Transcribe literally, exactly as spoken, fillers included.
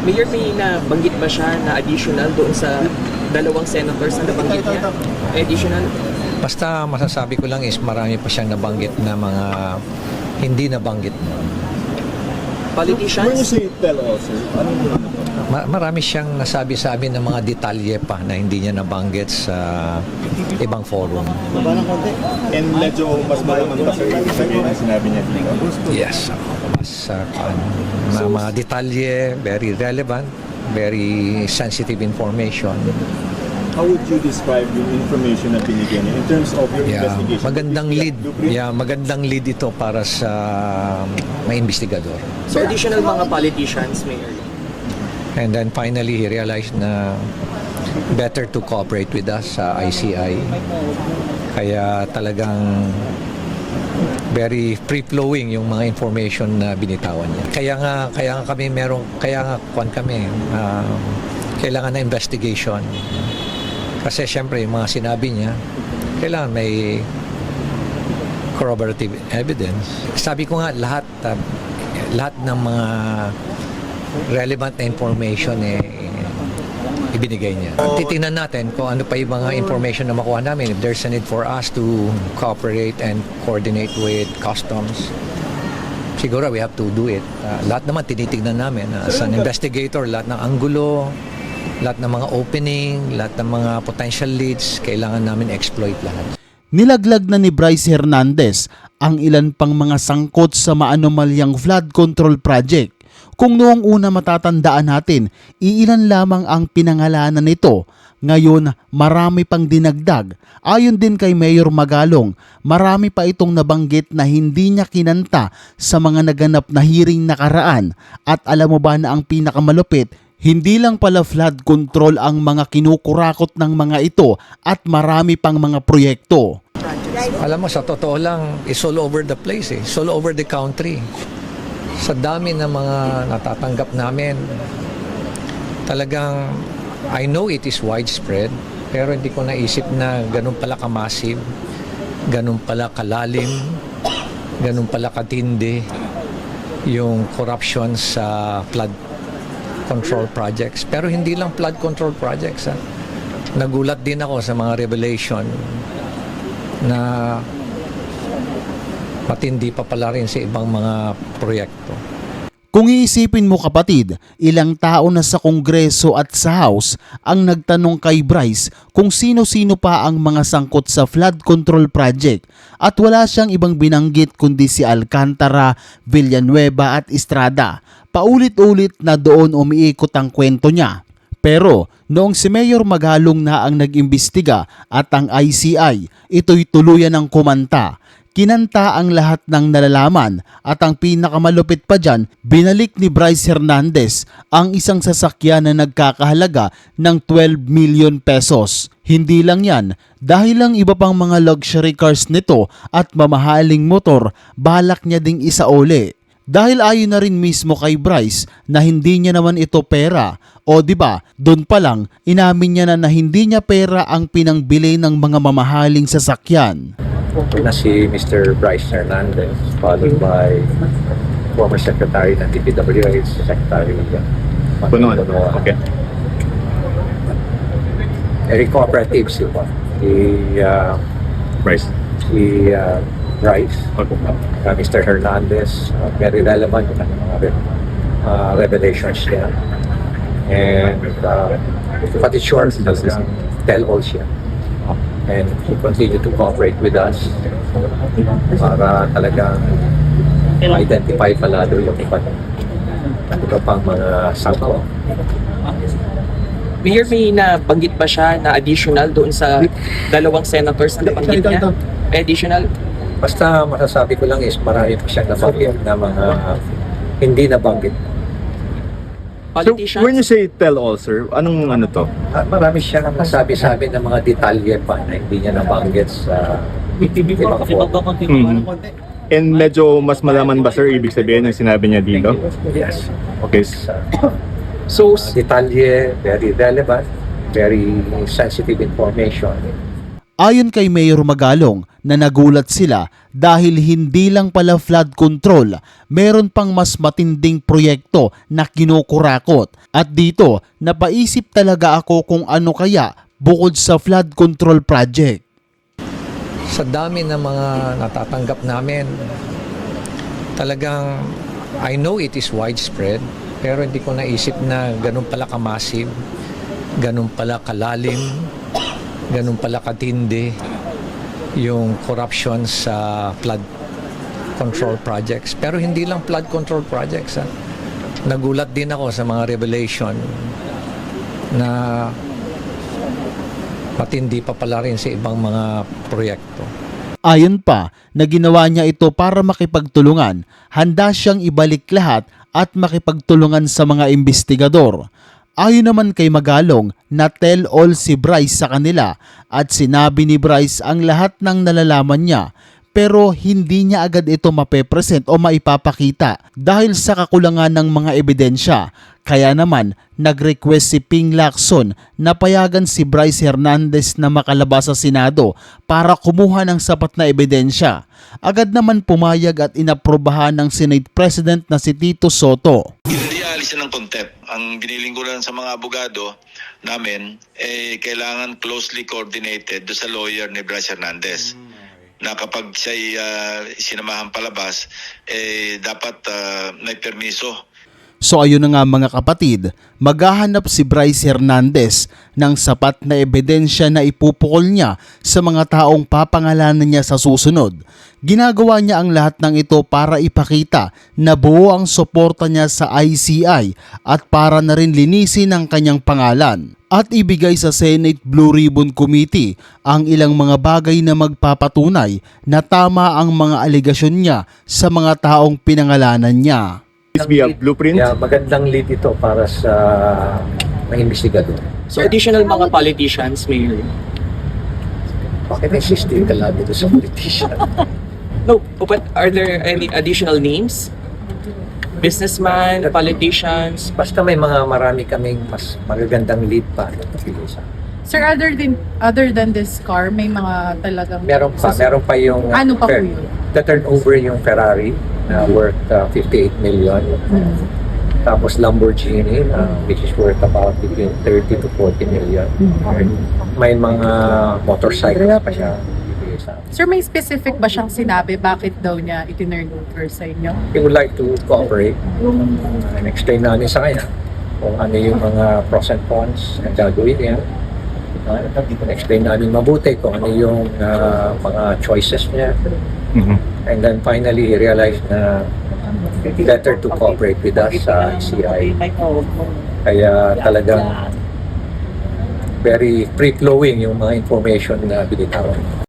Mayor, may nabanggit ba siya na additional doon sa dalawang senators na nabanggit niya? Additional? Basta masasabi ko lang is marami pa siyang nabanggit na mga hindi nabanggit. When you Politicians? say tell all, sir, anong ano to? Ma- marami siyang nasabi sa amin ng mga detalye pa na hindi niya nabanggit sa ibang forum. And medyo mas malaman pa sir yung sabihin na sinabi niya dito. Yes. Mas uh, ano, mga, mga detalye, very relevant, very sensitive information. How would you describe yung information na binigyan niya in terms of your Yeah, investigation? magandang lead. Blueprint? Yeah, magandang lead ito para sa may investigador. So additional mga politicians, Mayor? And then finally, he realized na better to cooperate with us sa I C I. Kaya talagang very free-flowing yung mga information na binitawan niya. Kaya nga, kaya nga kami merong, kaya nga kwan kami, uh, kailangan na investigation. Kasi syempre, yung mga sinabi niya, kailangan may corroborative evidence. Sabi ko nga, lahat, uh, lahat ng mga relevant na information eh, ibinigay niya. Titingnan natin kung ano pa yung mga information na makuha namin. If there's a need for us to cooperate and coordinate with customs, siguro we have to do it. Uh, lahat naman tinitignan namin. Uh, as an investigator, lahat ng anggulo, lahat ng mga opening, lahat ng mga potential leads, kailangan namin exploit lahat. Nilaglag na ni Bryce Hernandez ang ilan pang mga sangkot sa maanomalyang flood control project. Kung noong una matatandaan natin, iilan lamang ang pinangalanan nito. Ngayon, marami pang dinagdag. Ayon din kay Mayor Magalong, marami pa itong nabanggit na hindi niya kinanta sa mga naganap na hearing nakaraan. At alam mo ba na ang pinakamalupit, hindi lang pala flood control ang mga kinukurakot ng mga ito at marami pang mga proyekto. Alam mo, sa totoo lang, it's all over the place eh. It's all over the country. Sa dami ng mga natatanggap namin, talagang, I know it is widespread, pero hindi ko naisip na ganun pala ka-massive, ganun pala kalalim, ganun pala katindi yung corruption sa flood control projects. Pero hindi lang flood control projects. Ha? Nagulat din ako sa mga revelation na matindi pa pala rin sa ibang mga proyekto. Kung iisipin mo kapatid, ilang tao na sa Kongreso at sa House ang nagtanong kay Bryce kung sino-sino pa ang mga sangkot sa flood control project at wala siyang ibang binanggit kundi si Alcantara, Villanueva at Estrada. Paulit-ulit na doon umiikot ang kwento niya. Pero noong si Mayor Magalong na ang nag-imbestiga at ang I C I, ito'y tuluyan ng kumanta. Kinanta ang lahat ng nalalaman at ang pinakamalupit pa dyan, binalik ni Bryce Hernandez ang isang sasakyan na nagkakahalaga ng twelve million pesos. Hindi lang yan, dahil lang iba pang mga luxury cars nito at mamahaling motor, balak niya ding isauli. Dahil ayon na rin mismo kay Bryce na hindi niya naman ito pera. O di ba, doon pa lang inamin niya na na hindi niya pera ang pinangbili ng mga mamahaling sasakyan. Na si Mister Bryce Hernandez, followed by former Secretary ng D P W H, Secretary of Punuan. Okay. Very cooperative sila. Si, uh, Bryce. si uh, Bryce, Okay. uh, Mister Hernandez, uh, very relevant yung kanyang mga re- uh, revelations niya. And uh, but it's short, talagang tell-all siya. And he continue to cooperate with us para talagang ma-identify palalo yung iba, iba pang mga sangko. Mayor, may nabanggit ba siya na additional doon sa dalawang senators na nabanggit niya? Additional? Basta masasabi ko lang is marami pa siyang nabanggit na mga hindi nabanggit. So, Politicians? when you say tell all, sir, anong ano to? At marami siyang nasabi sa amin ng mga detalye pa na hindi niya nabanggit sa ibang forum. Mhm. And medyo mas malaman ba, sir, ibig sabihin ng sinabi niya dito? Yes. Okay. Sa So, detalye, very relevant, very sensitive information. Ayon kay Mayor Magalong na nagulat sila dahil hindi lang pala flood control, meron pang mas matinding proyekto na kinukurakot. At dito, napaisip talaga ako kung ano kaya bukod sa flood control project. Sa dami ng mga natatanggap namin, talagang I know it is widespread, pero hindi ko naisip na ganun pala ka-massive, ganun pala kalalim, ganun pala katindi yung corruption sa flood control projects. Pero hindi lang flood control projects. Ha? Nagulat din ako sa mga revelation na matindi pa pala rin sa ibang mga proyekto. Ayon pa na ginawa niya ito para makipagtulungan, handa siyang ibalik lahat at makipagtulungan sa mga investigador. Ayon naman kay Magalong na tell all si Bryce sa kanila at sinabi ni Bryce ang lahat ng nalalaman niya, pero hindi niya agad ito mapepresent o maipapakita dahil sa kakulangan ng mga ebidensya. Kaya naman nag-request si Ping Lacson na payagan si Bryce Hernandez na makalabas sa Senado para kumuha ng sapat na ebidensya. Agad naman pumayag at inaprobahan ng Senate President na si Tito Soto. Hindi aalisin ng contempt. Ang biniling ko lang sa mga abogado namin, eh, kailangan closely coordinated do sa lawyer ni Bryce Hernandez. Na kapag siya'y uh, sinamahan palabas, eh, dapat uh, may permiso. So ayun na nga mga kapatid, maghahanap si Bryce Hernandez ng sapat na ebidensya na ipupukol niya sa mga taong papangalanan niya sa susunod. Ginagawa niya ang lahat ng ito para ipakita na buo ang suporta niya sa I C I at para na rin linisin ang kanyang pangalan. At ibigay sa Senate Blue Ribbon Committee ang ilang mga bagay na magpapatunay na tama ang mga aligasyon niya sa mga taong pinangalanan niya. This be a blueprint? Yeah, magandang lead ito para sa mga investigador. So additional mga politicians, Mayor? Bakit insisting ka lang dito sa politician? No, but are there any additional names? Businessman, politicians? Basta may mga marami kaming mas magagandang lead pa. Sir, other than other than this car, may mga talagang Meron pa, meron pa yung Ano pa po Fer- yun? the turnover yung Ferrari na worth uh, fifty-eight million. Hmm. Tapos Lamborghini uh, which is worth about between thirty to forty million. May mga motorcycles pa siya. bibigay sa amin. Sir, may specific ba siyang sinabi bakit daw niya itinurn over sa inyo? We would like to cooperate and explain namin sa kanya kung ano yung mga pros and cons na gagawin niya. Uh, explain namin mabuti kung ano yung uh, mga choices niya. Mhm. And then finally, he realized na better to cooperate with us sa I C I. Kaya talagang very free-flowing yung mga information na binitawan.